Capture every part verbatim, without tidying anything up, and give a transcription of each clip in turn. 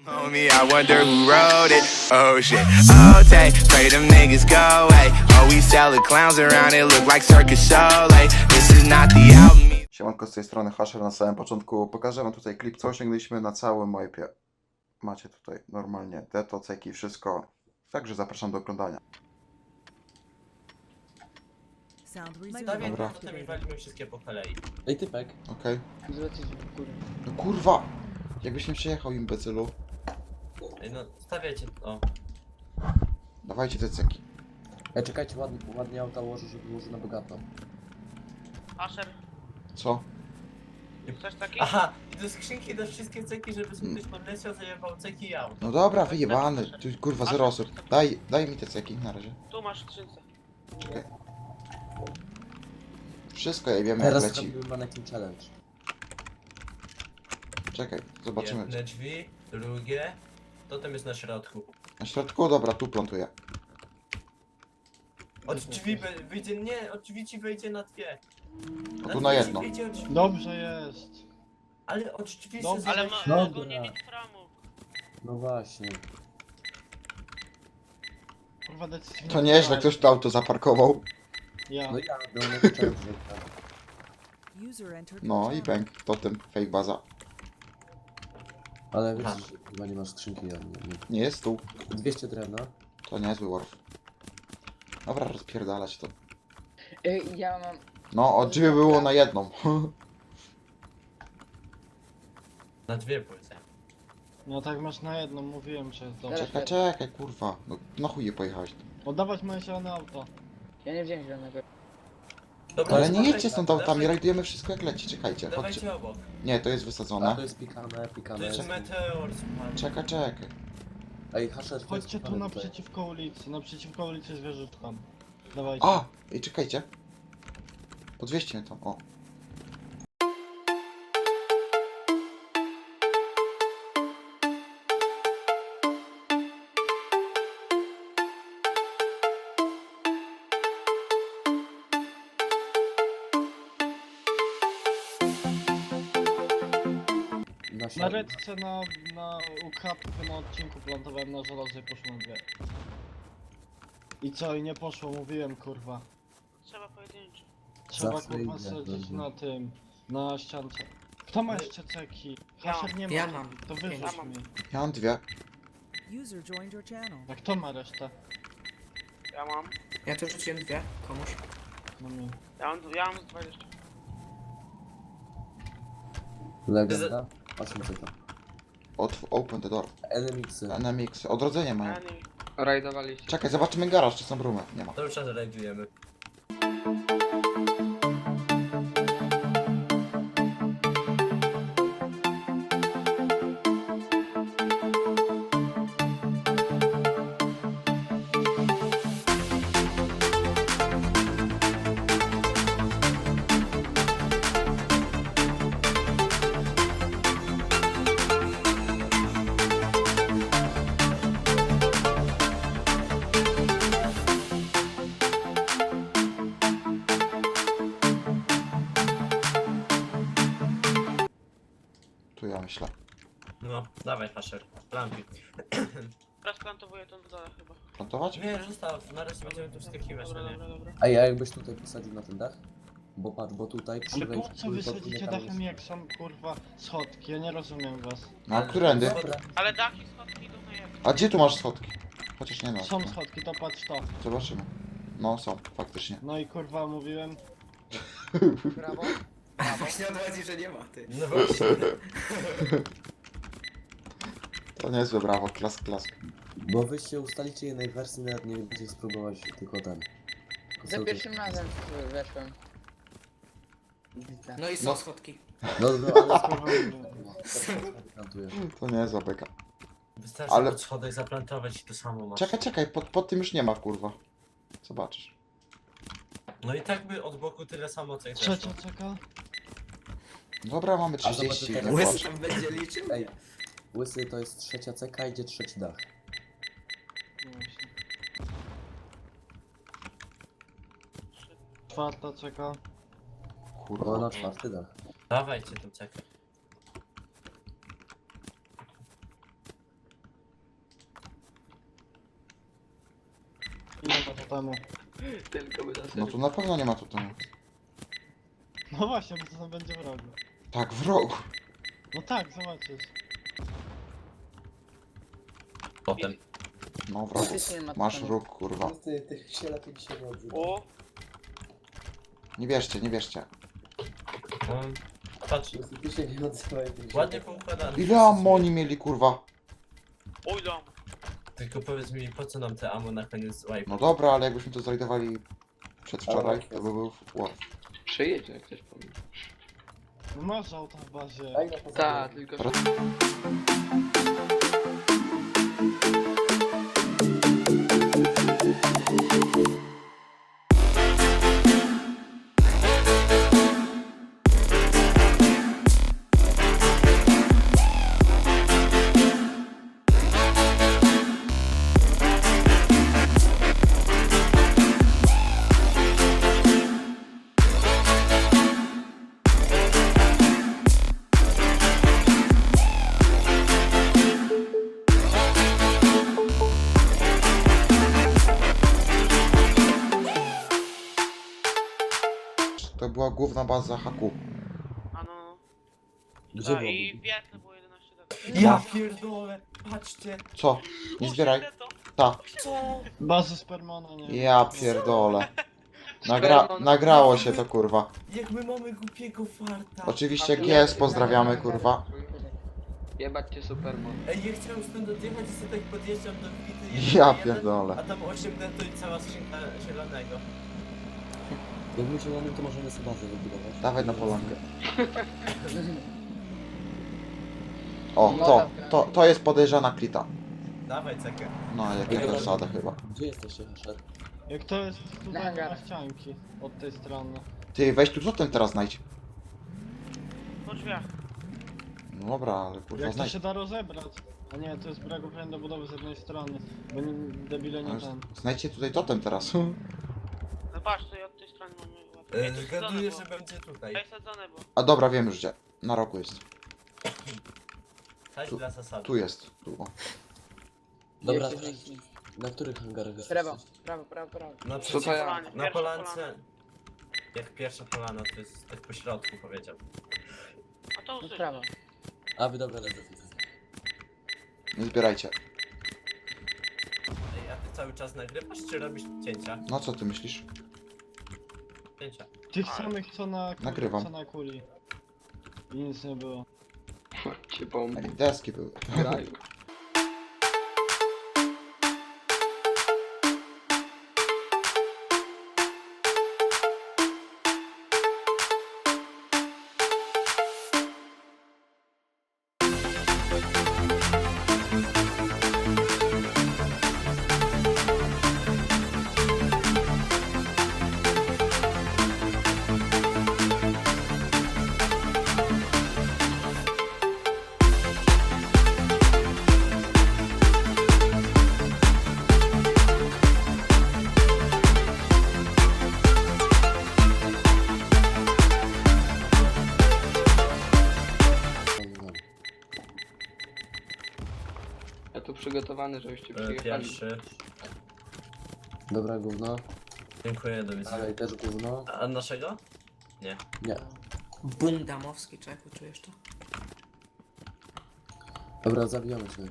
Homie, I wonder who wrote it. Oh shit. Oh, take, pray them niggas go away. Oh, we sell the clowns around it, look like circus show. Like, this is not the album. Siemanko, z tej strony Hasher. Na samym początku pokażę wam tutaj klip, co osiągnęliśmy na całym mojepie. Macie tutaj normalnie deto, ceki, wszystko. Także zapraszam do oglądania. Dobra. Potem walimy wszystkie po kolei. Ej, typek. Okej. Zwrócić w górę. No kurwa! Jakbyś nie przejechał, imbecylu. Ej, no, stawiajcie, o. Dawajcie te ceki. Ej, czekajcie, ładnie, ładnie auta ułożę, żeby było na bogato. Asher, Co? coś takiego? Aha, i do skrzynki dasz wszystkie ceki, żeby sobie ktoś podleciał, zajebał ceki i aut. No dobra, wyjebany. Tu kurwa zero osób. Daj, daj mi te ceki na razie. Tu masz skrzynce. Czekaj. Wszystko jebiemy jak Teraz leci. zrobimy mannequin challenge. Czekaj, zobaczymy. Jedne drzwi, drugie. Totem jest na środku. Na środku? Dobra, tu plantuję. Od drzwi be- wyjdzie, nie, od drzwi ci wejdzie na dwie. A tu na dwie ci jedno. wyjdzie od drzwi. Dobrze jest. Ale od drzwi Dobrze. se Ale zobacz- mo Dobra. mogą nie mieć framu. No właśnie. Kurwa decyzja. To nieźle, ktoś to auto zaparkował. Ja. No ja do mannequin challenge. No i bęk, totem, fake baza. Ale wiesz, Aha. że chyba nie masz skrzynki. Ja, nie, nie. Nie jest tu. dwieście drewna. To niezły warf. Dobra, rozpierdalać to. Ej, ja mam... No, od drzwi było na jedną. Na dwie płyty. No tak masz na jedną, mówiłem, że jest dobrze. Czekaj, czekaj, kurwa. No, na chuj je pojechałeś. Oddawać moje zielone auto. Ja nie wziąłem zielonego. Dobra, Ale nie dawaj, jedźcie stąd dawaj, autami, rajdujemy wszystko jak leci, czekajcie, chodźcie. Dawajcie obok. Nie, to jest A wysadzone. to jest pikane, To pikane. jest meteor, słuchaj. Czekaj, czekaj. Ej, Hasher, to jest Chodźcie tu pikane tutaj. naprzeciwko ulicy, naprzeciwko ulicy z wieżyczką. Dawajcie. A! I czekajcie. Podwieźcie mnie tam, o. Na Na środku. redce na, na ukradkę na odcinku plantowałem na żelazo i poszło na dwie. I co, i nie poszło, mówiłem kurwa. Trzeba pojedynczy. Trzeba Zawsze kurwa idzie, sadzić dobrze. na tym, na ściance. Kto ma jeszcze ceki? Ja Hasher nie ma. Ja mam. To wyrzuć Ja mam. mi. Ja mam dwie. User joined your channel. A kto ma resztę? Ja mam. Ja tu rzuciłem dwie komuś. No mi. Ja mam, ja mam z dwadzieścia. Legenda. osiem zeta. Otw open the door. Enemixy. N M X. Odrodzenie mają. Ja nie. Rajdowaliście. Czekaj, zobaczymy garaż, czy są rumy. Nie ma. To już czas rajdujemy. Tu ja myślę. No, dawaj Hasher, plantuj. Rozplantowuję tą dole chyba. Plantować? Nie, zostaw, na razie będziemy tu wskakiwać, Dobra, no nie? dobra, dobra. Ej, a jakbyś tutaj posadził na ten dach? Bo patrz, bo tutaj przy Ale wejściu... po co wy pod sadzicie tam dachem jest- jak są kurwa schodki? Ja nie rozumiem was. No, a którędy? Dobra. Ale dach i schodki idą na jedno. A gdzie tu masz schodki? Chociaż nie no. Są schodki, to patrz to. Zobaczymy. No, są, faktycznie. No i kurwa mówiłem. Brawo. Właśnie odchodzi, że nie ma ty. No właśnie. To niezłe, brawo, klask, klask. Bo wyście ustalicie jednej wersji, nawet nie będziecie spróbować tylko ten. Tylko Za cały pierwszym razem weszłem. No i są No. schodki. czas- No, no, ale Kurwa mówiłem. spróbuję. To niezła beka. Wystarczy Ale- pod schodach zaplantować i to samo masz. Czekaj, czekaj, pod, pod tym już nie ma, kurwa. Zobaczysz. No i tak by od boku tyle samo co i Trzecia zeszło. czeka. Dobra, mamy A zobacz, trzydzieści. teraz- nie Łysy płacz. tam będzie liczył? Ej, łysy to jest trzecia ceka, idzie trzeci dach. No właśnie. Czwarta czeka. No Kurwa. na czwarty dach. Dawajcie tą cekę. totemu. Tylko by nas No tu na pewno nie ma tutaj. No właśnie, bo to tam będzie w rogu. Tak, w rogu. No tak, zobaczysz. Potem. No w rogu. Faktycznie ma Masz totemu. róg, kurwa. Ty, tych się lepiej dzisiaj nie odzywa. O, Nie bierzcie, nie bierzcie. No, patrz, Ty się nie odzywaj, ty się ładnie poukładane. Ile amoni mieli, kurwa? oj dam. Tylko powiedz mi, po co nam te ammo na koniec wipe? No dobra, ale jakbyśmy to zrajdowali przedwczoraj, to by był ład. Przyjedzie jak ktoś powie. No masz auta w bazie. Daj na pozory. Tak, tylko że... To była główna baza haku. A no. Gdzie A, było? i wietne było jedenaście lat. Ja pierdolę, patrzcie. Co? Nie zbieraj. Ta. Co? Bazy spermona, nie. Ja pierdolę. Nagra nagrało się to, kurwa. Jak my mamy głupiego farta. Oczywiście G S pozdrawiamy, kurwa. Jebać cię Superman. Ej, ja chciałem stąd odjechać i sobie tak podjeżdżam do bity. Ja jeden, pierdolę. A tam osiem neto i cała skrzynka zielonego. Jak my zielonym, to możemy sobie bazę wybudować. Dawaj na polankę. O, to, to, to jest podejrzana klita. Dawaj cekę. No, jak ja też sadę chyba. Gdzie jesteście, Hasher? Jak to jest tutaj Hangar. na ścianki od tej strony. Ty, weź tu totem teraz znajdź. Po drzwiach. No dobra, ale kurwa Jak to znajdź. się da rozebrać? A nie, to jest brak uprawnień do budowy z jednej strony. Bo nie, debile nie Ale ten. Znajdźcie tutaj totem teraz. No patrz, tutaj od tej strony mamy łapkę. E, Ej, to jest Zgaduję, sadzone że było. będzie tutaj. Ej, sadzone było. A dobra, wiem już gdzie. Na roku jest. Tak Tu- dla zasady. Tu jest. Tu, o. Dobra, Jeszcze to- wcześniej. na których hangarach jesteście? Prawo, prawo, prawo, prawo. Na Co to ja? Polanie, Na pierwsza polance. polana. Jak pierwsza polana, to jest tak po środku powiedział. A to No usłyszę. prawo. A wy dobra, lecę. Nie zbierajcie. Ej, a ty cały czas nagrywasz, czy robisz cięcia? No co ty myślisz? Cięcia. Tych samych co na kuli, Nagrywam. co na kuli. I nic nie było. Cię bomby. Ej, deski były. Graju. Ja tu przygotowany, żebyście E, przyjechali. Pierwszy. Dobra, gówno. Dziękuję, do widzenia. Dalej też gówno. A naszego? Nie. Nie. Bum damowski, człowieku, czujesz to? Dobra, zabijamy się.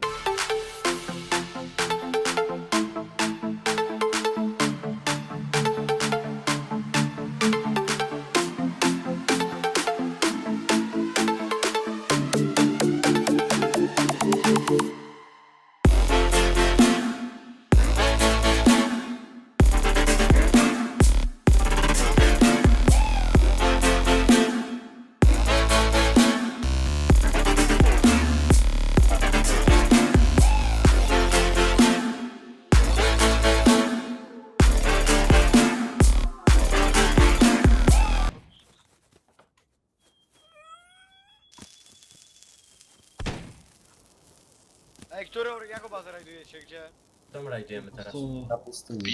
Ej, którą, jaką bazę rajdujecie, gdzie? Tam rajdujemy teraz. Pustyni. Na pustyni.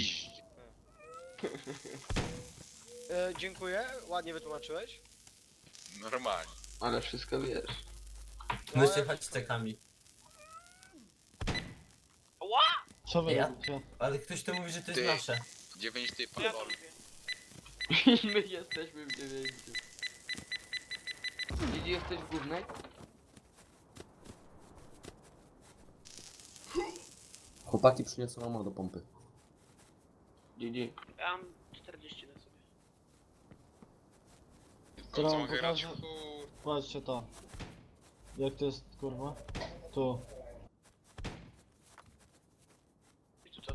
E, dziękuję, ładnie wytłumaczyłeś. Normalnie. Ale wszystko wiesz. My się chodź cekami. Ła! Co wy Ja? robicie? Ale ktoś tu mówi, że to jest Ty. nasze. Dziewięć typa, To ja to lol. lubię. My jesteśmy w dziewięciu. Gdzie jesteś w głównej? Chłopaki przyniosą ammo do pompy. Gdzie? Ja mam czterdzieści na sobie. Która Co wam mogę grać? pokaże? Chuj. Patrzcie to. Jak to jest, kurwa? Tu. I tu co?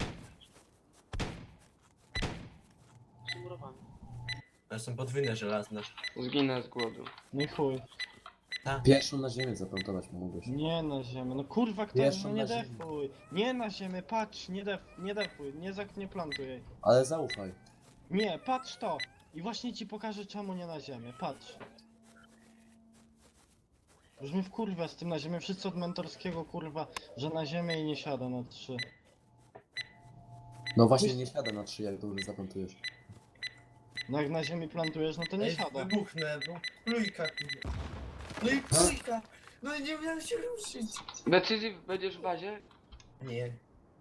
Zmurowany. To są podwójne żelazne. Zginę z głodu. No i chuj. Pierwszą na ziemię zaplantować mogłeś. Nie na ziemię, no kurwa kto, Pierwszą no nie na ziemię. defuj. Nie na ziemię, patrz, nie def, nie defuj, nie zak, nie plantuj jej. Ale zaufaj. Nie, patrz to. I właśnie ci pokażę czemu nie na ziemię, patrz. Już mi wkurwia z tym na ziemię, wszyscy od mentorskiego kurwa, że na ziemię i nie siada na trzy. No właśnie nie siada na trzy, jak dobrze zaplantujesz. No jak na ziemi plantujesz, no to nie Ej, siada. wybuchnę, bo plujka, kurwa. No i plujka! No nie miałem się ruszyć. Decyzji będziesz w bazie? Nie.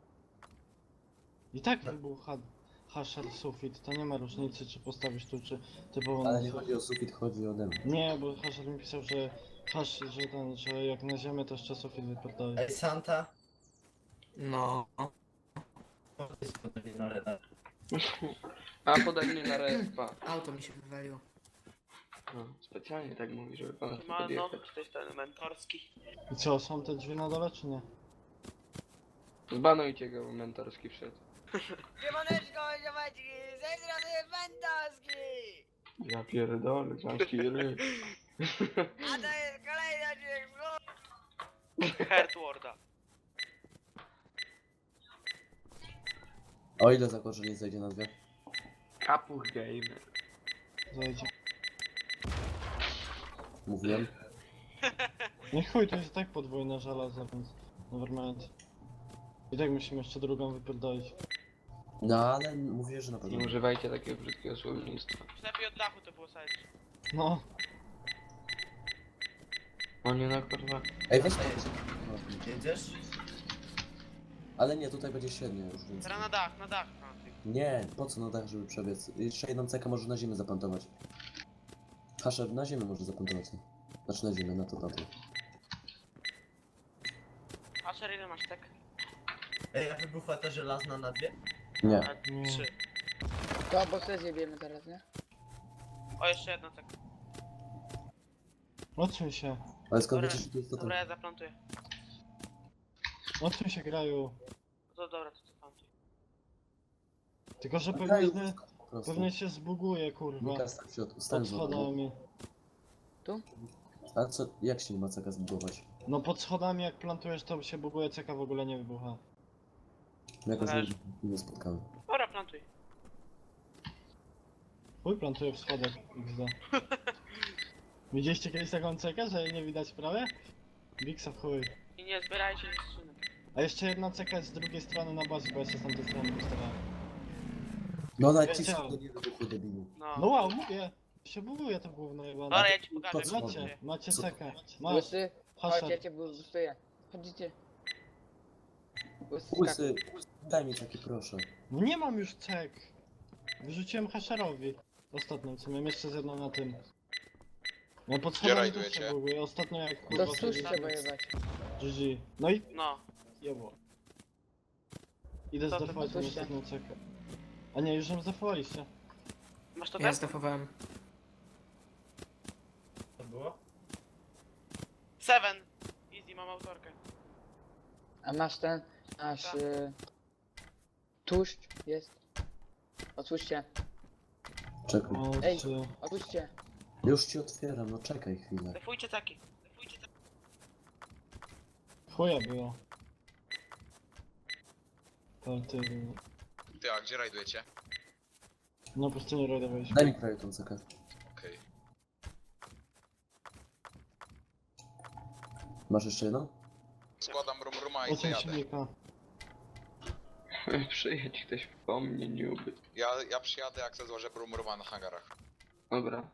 I tak wybucha hasher sufit, to nie ma różnicy czy postawisz tu, czy typowo Ale na nie sufit. chodzi o sufit, chodzi o demo. Nie, bo hasher mi pisał, że hash, że ten, że jak na ziemię to jeszcze sufit wypierdoli. Ej, Santa. No. To jest podwójne na reda. A podaj mnie na respa. Auto mi się wywaliło. No, specjalnie tak mówi, żeby pan Ma nowy z tej strony mentorski. I co, są te drzwi na dole, czy nie? Zbanujcie go, bo mentorski wszedł. Siemaneczko, ziomeczki, z tej strony Mentorski! Ja pierdolę, zamski ryj. A to jest kolejny odcinek z Herdwarda. O ile zakończenie zejdzie na dwie? Kapuch gamer. Zajdzie. Mówiłem. Nie chuj, to jest i tak podwójne żelazo, więc nevermind. I tak musimy jeszcze drugą wypierdolić. No ale mówię, że na pewno. Nie używajcie takiego brzydkiego słownictwa. Przynajmniej od dachu to było sajcie. No, O nie, no kurwa. Ej, weź Jedziesz? Ale nie, tutaj będzie średnio już, więc... Teraz na dach, na dach. A, ty. Nie, po co na dach, żeby przebiec? Jeszcze jedną cekę może na ziemię zaplantować. Hasher na ziemię może zaplantować, nie? Znaczy na ziemię, na to, na to. A Sher, ile masz tak? Ej, a wybuchła ta żelazna na dwie? Nie. A, Nie. trzy. To bo sobie zjebiemy teraz, nie? O, jeszcze jedna tak. odsuń się. Ale skąd Dobra, wiecie, że to jest to Dobra, ten? ja zaplantuję. Odsuń się, graju. No to dobra, to zaplantuj. Tylko, że Graju, pewnie, po prostu. pewnie się zbuguje, kurwa. Lukas tak w środku, stań Pod z wodą. schodami. A co, jak się nie ma ceka zbudować? No pod schodami jak plantujesz, to się buguje, ceka w ogóle nie wybucha. Jakoś nie, Zależy. nie spotkamy. Dobra, plantuj. Chuj, plantuję w schodach, iks de. Widzieliście kiedyś taką cekę, że jej nie widać prawie? Biksa w chuj. I nie zbierajcie skrzynek. A jeszcze jedna ceka jest z drugiej strony na bazie, bo ja się z tamtej strony postawałem. No nawet ci Wiedziałem. schody nie wybuchły, debilu. No. No wow, mówię! Się buguje to gówno jebane. Dobra, ja ci pokażę. Po jak co? to Macie, dzieje. macie Co? cekę. Masz, Łysy, chodź, ja hasher. cię bustuję. Chodzicie. Łysy, Łysy, daj mi taki proszę. No nie mam już cek. Wyrzuciłem hasherowi. Ostatnią, co miałem jeszcze z jedną na tym. No pod schodami też rajdujecie? się buguje. Ostatnio jak To kurwa cóż sobie- trzeba jebać. G G. No i No. jebło. Idę To- to zdefować tą puśćcie. ostatnią cekę. A nie, już ją zdefowaliście. Masz to Ja też? zdefowałem. To było? Seven. Easy, mam autorkę. A masz ten, masz... Tak. Y... Tłuszcz jest. Otwórzcie, Czekaj. O, Ej. czy... otwórzcie. Już ci otwieram, no czekaj chwilę. Defujcie taki. Defujcie taki. Chuja było. Ale ty... Ty, a gdzie rajdujecie? No po prostu nie rajdowałeś. Daj mi prawie tą cekę. Okej. Masz jeszcze jedną? Składam rum ruma i Oceń zajadę. silnika. Przyjedź ktoś po mnie, nie ubyt. Ja, ja przyjadę, jak se złożę rum ruma na hangarach. Dobra.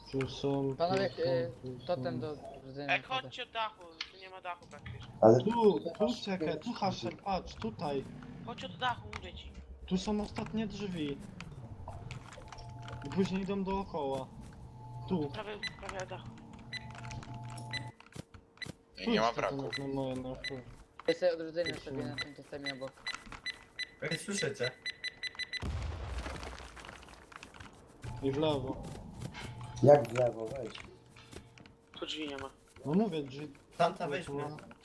Tu są... Panowie, tu są, y, tu są. totem do rdzenia. Ej, chodźcie od dachu, tu nie ma dachu praktycznie. Ale Tu, tu czekaj, tu Hasher, patrz, tutaj. Chodź od dachu, mówię ci. Tu są ostatnie drzwi. I później idą dookoła. Tu. Prawie, prawie od dachu. Tu nie ma braku. Na moje, na chuj. Ja sobie odrodzenie sobie na tym totemie obok. Ej, słyszycie? I w lewo. jak w lewo, weź. Tu drzwi nie ma. No mówię, drzwi. Tamta weźmy.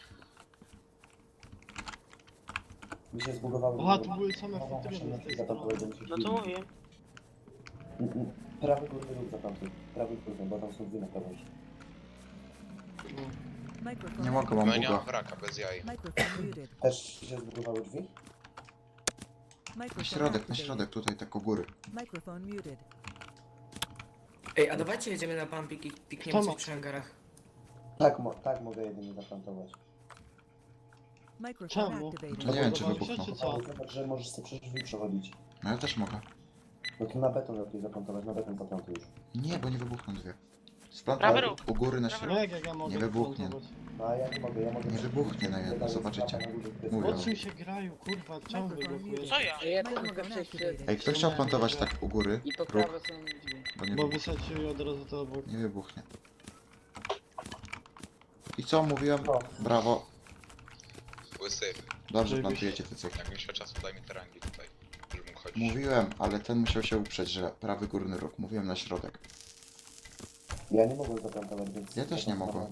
Mi się zbugowały. Aha, tu były same Dobra, futryny proszę, z tej zapakować strony. do mnie. No to mówię. Mm, mm. Prawy górny róg za tamtym. Prawy górny, bo tam są dwie na prawo. Microphone. Nie mogę, mam buga. Microphone muted. Też się zbugowały drzwi? Na Microphone środek, na activated. środek, tutaj tak u góry. Microphone muted. Ej, a dawajcie jedziemy na pumpik i pikniemy Kto coś ma? przy hangarach. Tak, mo tak mogę jedynie zaplantować. Microphone Czemu? activated. No nie wiem, czy Podobało się, wybuchną. czy co? Ale zobacz, że możesz sobie przez drzwi przechodzić. No ja też mogę. No to na beton lepiej zaplantować, na beton zaplantuj już. Nie, bo nie wybuchną dwie. Prawy Splantuj róg. u góry na Prawy środek. No jak, jak ja mogę Nie wybuchnie. plantować? No a ja nie mogę, ja mogę... Nie wybuchnie na jedno, zobaczycie. Mówię. O czym się grają, kurwa, czemu wybuchujesz? Co ja? Ja też mogę przejść przed... Ej, kto chciał plantować tak u góry? I po Róg, prawo są drzwi. bo nie, Bo wybuch wysadził od razu to obok. nie wybuchnie. I co mówiłem? No. Brawo. Łysy, Dobrze Żeby plantujecie te cechy. jak mi się czasu, daj mi te rangi tutaj, żeby mógł chodzić. Mówiłem, ale ten musiał się uprzeć, że prawy górny róg. Mówiłem na środek. Ja nie mogłem zaplantować, więc... Ja też nie mogłem.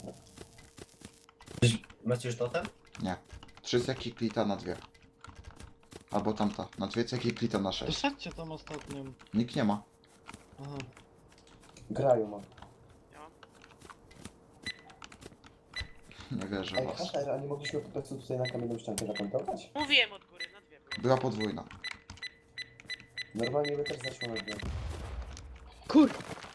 Macie już totem? Nie. Trzy ceki klita na dwie. Albo tamta. Na dwie ceki klita na sześć. Dosadźcie tam ostatnią. Nikt nie ma. Aha. Grają, mam. Nie wierzę Ej, w was. Hasher, a nie mogliśmy po prostu tutaj na kamienną ściankę zaplantować? Mówiłem od góry, na dwie było. Była podwójna. Normalnie by też zeszło na dwie. Kur...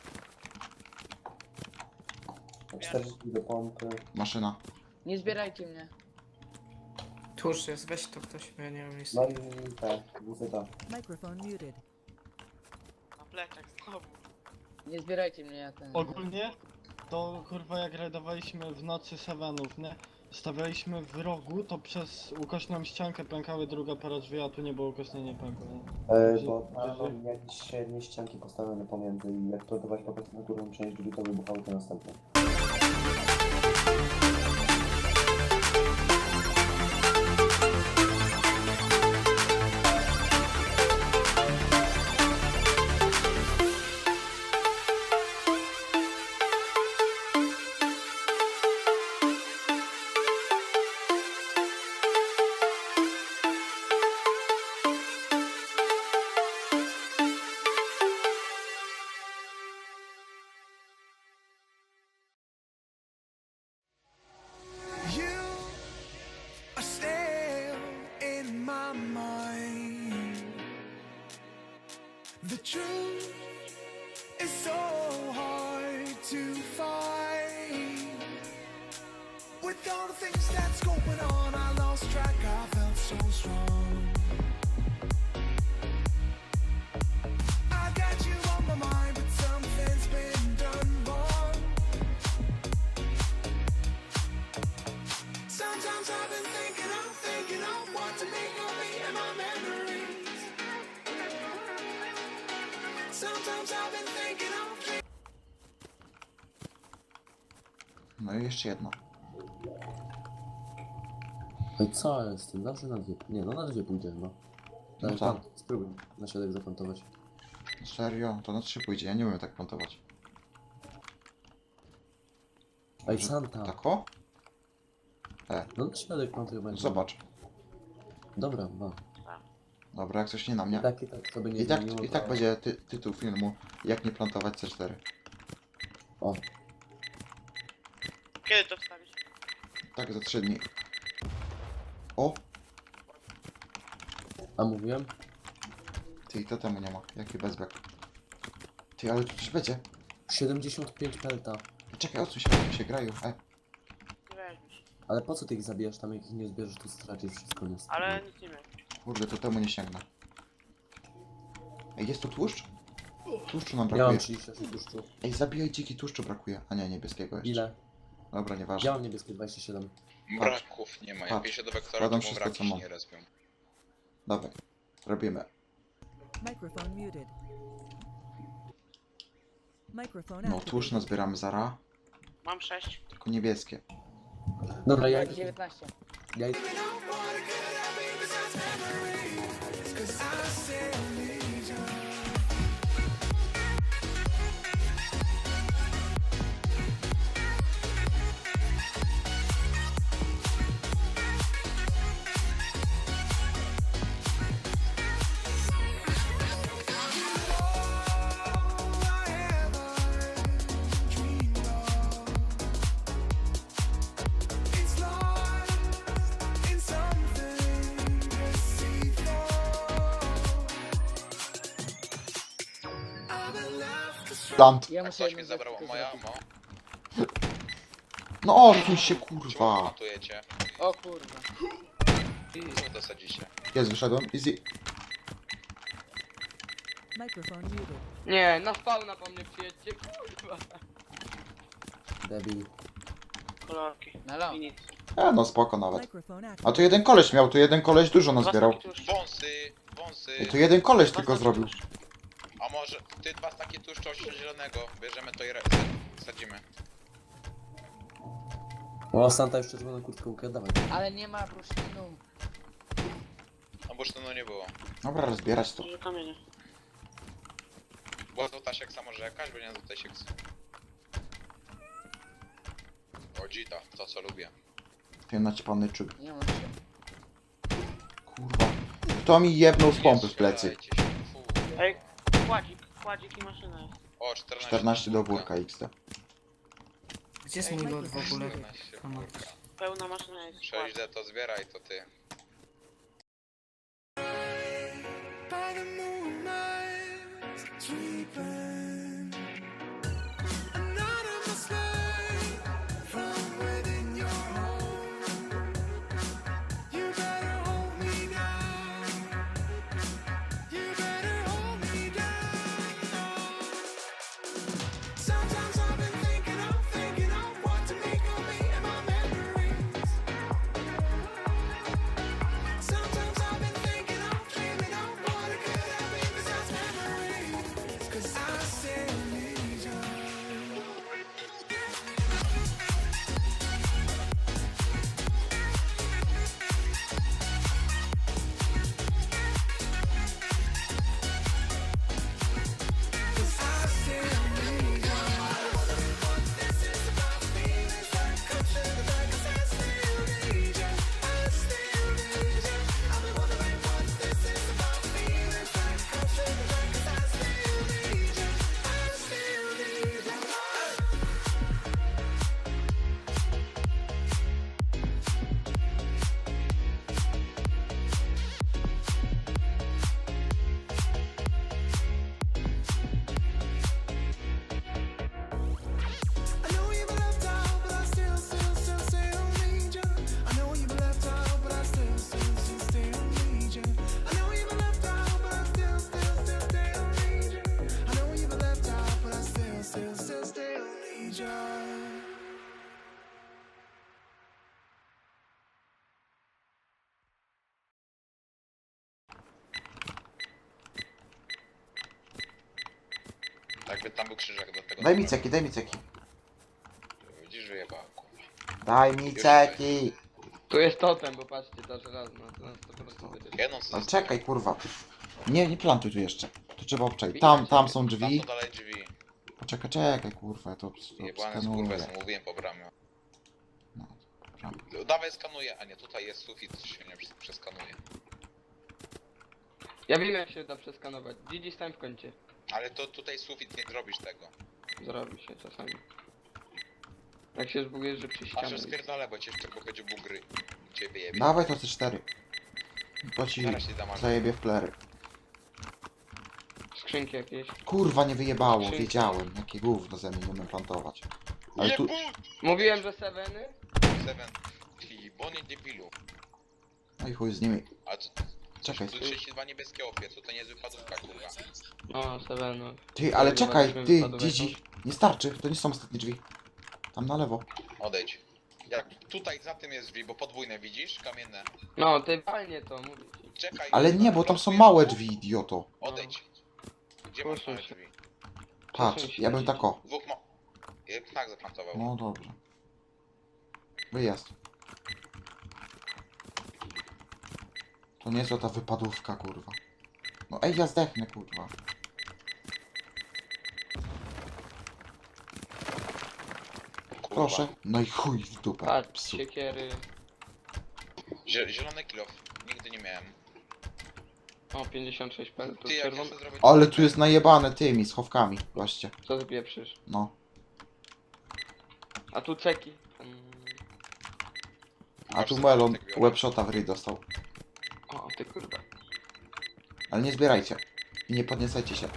czterdzieści do pompy. Maszyna. Nie zbierajcie mnie. Tłuszcz jest, weź to ktoś, bo ja nie mam miejsca. No i tak, W Z A. Microphone muted. Na plecach znowu. Nie zbierajcie mnie, ja ten... Ogólnie to kurwa jak rajdowaliśmy w nocy Sevenów, nie? Stawialiśmy w rogu, to przez ukośną ściankę pękały druga para drzwi, a tu nie było ukośne, nie pękło. nie? E, Że- bo tam że- mam jakieś średnie ścianki postawione pomiędzy i jak plantować po prostu na górną część drzwi, to wybuchały te następne. You are still in my mind. The truth is so hard to find. With all the things that's going on, I lost track. I felt so strong. I got you on my mind, but something's been done wrong. Sometimes I've been thinking, I'm thinking of what to make of me and my memories. Sometimes I've been thinking, I'm thinking. No i jeszcze jedno. No i co jest tym? Zawsze na dwie. Nie, no na dwie pójdzie, no. No Ale tak. tam, spróbuj na środek zaplantować. Serio? To na trzy pójdzie, ja nie umiem tak plantować. Ej, Że- Santa! Tak o? No na środek plantuj będzie. Zobacz. Dobra, no. Dobra, jak coś nie na I mnie. tak, i tak sobie nie I tak, zmieniło, i tak to- będzie ty, tytuł filmu, jak nie plantować C cztery. O, Kiedy to wstawisz? Tak, za trzy dni. O! a mówiłem? Ty, to temu nie ma. Jaki bezbek. Ty, ale tu coś będzie. siedemdziesiąt pięć pelta. Czekaj, odsuń się, odsuń się, graju. E. Nie weźmiesz. Ale po co ty ich zabijasz tam, jak ich nie zbierzesz, to stracisz wszystko, nie? Ale nic nie miał. Kurde, to temu nie sięgnę. Ej, jest tu tłuszcz? Tłuszczu nam Ja mam brakuje. trzydzieści osiem tłuszczu. Ej, zabijaj dziki, tłuszczu brakuje. A nie, niebieskiego jeszcze. Ile? Dobra, Ja nieważne. mam niebieskie dwadzieścia siedem. Braków nie ma. Jak Patrz. piszę do wektora, Składam to mu wszystko, co braki się mam. nie respią. Dawaj. Robimy. Microphone muted. Microphone No, tłuszcz activated. nazbieramy zara. Mam sześć. Tylko niebieskie. Dobra, ja idę. dziewiętnaście. Ja idę. It's lost in something deceitful. I've been left astray. Plant. Ja Tak muszę coś jedną mi rzecz zabrało tylko moja zrobić. amo. No, odsuń się, Czemu kurwa. montujecie? O kurwa. Co dosadzicie? Jest, wyszedłem. Easy. Microphone muted. Nie, na spawna po mnie przyjedźcie, kurwa. Debil. Kolorki. Melo. I nic. E, no spoko nawet. Microphone A activated. tu jeden koleś miał, tu jeden koleś dużo Dwa nazbierał. staki tłuszczu. Wąsy, wąsy. I tu jeden koleś Dwa tylko staki zrobił. tłuszczu. A może ty dwa takie tłuszczu zielonego. Bierzemy to i re- sadzimy. O, Santa już czerwoną kurtkę ukradł, dawaj. Ale nie ma bursztynu. No bo już to no nie było. Dobra, rozbierać to. Dużo kamienia. Była złotasiek samo rzekaś, bo nie złotasiek. O dzita, to co lubię. Ten naćpany czyk. Nie mam się. Kurwa. Kto mi jebnął z pompy Nie w plecy? strzelajcie się, fu. Ej, kładzik. Kładzik i maszyna jest. O, czternaście. czternaście do wórka X D. Gdzie jest mój lot w ogóle? czternaście Tam. kurka. Pełna maszyna jest. sześć D to zbieraj, to ty. By the moonlight, sweeping anonymous light from within your home. You better hold me down. You better hold me down. Sometimes I've been thinking of, thinking of what to make of me and my memories. Sometimes I've been thinking of, dreaming of what it could have been besides memories. 'Cause I still need you. Cause I still need you. What this is about feelings that come through the back. 'Cause I still need you. I still need you. I've been wondering what this is about feelings that come through the back. 'Cause I still need you. I still need you. I know you've been left out, but I still, still, still, still need you. I know you've been left out, but I still, still, still, still need you. I know you've been left out, but I still, still, still, still need you. I know you've been left out, but I still, still, still, still need you. Jakby tam był krzyżak do tego. Daj mi ceki, daj mi ceki. Widzisz, że jeba, kurwa. Daj mi ceki. Tu jest totem, bo patrzcie, to żelazno, to na sto procent będzie. Jedną co No czekaj, kurwa. Nie, nie plantuj tu jeszcze. Tu trzeba obczaić. Tam, tam są Tam drzwi. to dalej drzwi. Poczekaj, czekaj, kurwa, ja to, to Jebany z skanuję. kurwę, mówiłem po bramie. No, dobra. Dawaj skanuję, a nie, tutaj jest sufit, się nie przes- przeskanuje. Ja wiem jak się da przeskanować. Gigi stań w kącie. Ale to tutaj sufit nie zrobisz tego. Zrobi się czasami. Tak się zbugujesz, że przy A ścianie. że spierdolę, bo cię jeszcze będzie bugry. Cię wyjebie. Dawaj to C cztery. To ci Zaraz ci dam zajebie w plery. Skrzynki jakieś. Kurwa, nie wyjebało, Skrzynki. wiedziałem. Jakie gówno ze mnie nie umiem plantować. Ale tu... Mówiłem, że seveny? Seven. Ty, bonie debilu. No i chuj z nimi. A co, Czekaj. Tu trzydzieści dwa niebieskie opie, to to nie jest wypadówka, kurwa. O, Sevenów. Ty, ale Kurwa, czekaj, weźmy ty, wypadek Gigi. Nie starczy, to nie są ostatnie drzwi. Tam na lewo. Odejdź. Jak tutaj za tym jest drzwi, bo podwójne widzisz? Kamienne. No, ty walnie to, mówię ci. Czekaj. Ale kurwa, nie, bo tam są blokujesz małe tu? drzwi, idioto. Odejdź. Gdzie masz Proszę małe cię. drzwi? Patrz, ja bym tak o. Dwóch mo... Je- Tak zaplantował. No dobrze. Wyjazd. To nie jest ta wypadówka, kurwa. No ej, ja zdechnę, kurwa. Kurwa. Proszę. No i chuj w dupę. Patrz, Psu. siekiery. Zie- Zielony kilof. Nigdy nie miałem. O, pięćdziesiąt sześć peltów. Ty, jak Czerwony. jeszcze zrobić... Ale tu jest najebane tymi schowkami, właśnie. Co ty pieprzysz? No. A tu ceki. Mm. A tu melon webshota w ryj dostał. O, ty kurwa. Ale nie zbierajcie. I nie podniecajcie się.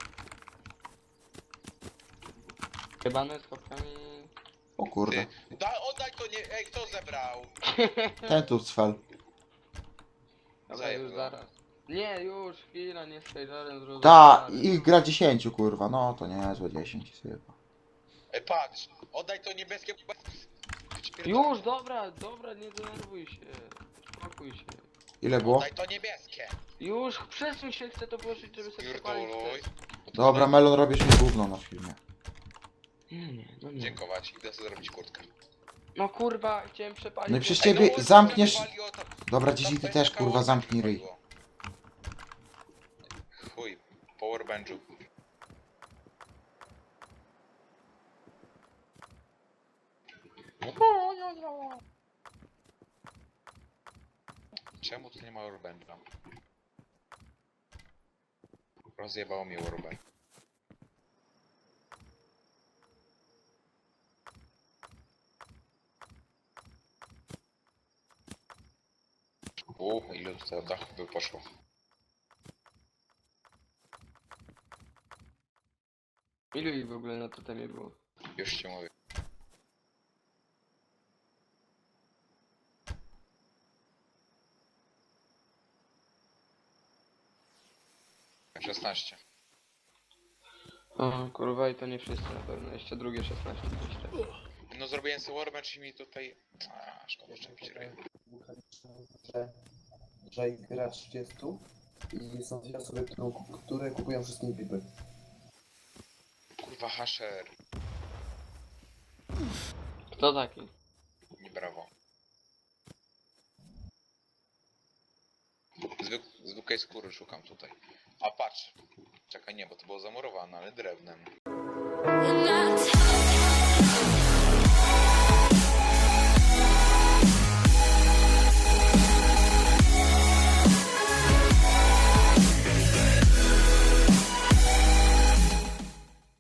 Jebane z kopkami. O kurde. Ty, da, oddaj to nie... Ej, kto zebrał? Ten tu cfel. Dobra, Zajeb już go. zaraz. Nie, już, chwila, nie z Taylorem zrozumiałem. Ta, ich gra dziesięciu, kurwa. No to nie złe dziesięć. Chyba. Ej, patrz. Oddaj to niebieskie... Już, dobra, dobra, nie denerwuj się. Spokój się. Ile było? Oddaj to niebieskie. Już, przesuń się, chcę to włożyć, żeby sobie przepalić. Pierdoluj. Dobra, melon robisz mi gówno na filmie. Nie, nie, no nie. Dziękować. Idę sobie zrobić kurtkę. No kurwa, chciałem przepalić. No i przez bo- ciebie no, zamkniesz... wywaliło to- Dobra, to Gigi, ty będzie też, kurwa, koło zamknij ryj. wywaliło. Chuj. Powerbenchu. Czemu tu nie ma Urbencha? Rozjebało mi Urben. Uuu, ile tutaj dachów by poszło. Ilu ich w ogóle na totemie było? Już ci mówię. szesnaście. O, kurwa, i to nie wszyscy na pewno. Jeszcze drugie szesnaście gdzieś tak. No zrobiłem sobie Warbench i mi tutaj... A, szkoda, że mi ryj. Że, że ich gra trzydzieści i są dwie osoby, którą, które kupują wszystkie pipy. Kurwa, Hasher. Kto taki? Nie brawo. Zwyk zwykłej skóry szukam tutaj. A patrz. Czekaj, nie, bo to było zamurowane, ale drewnem.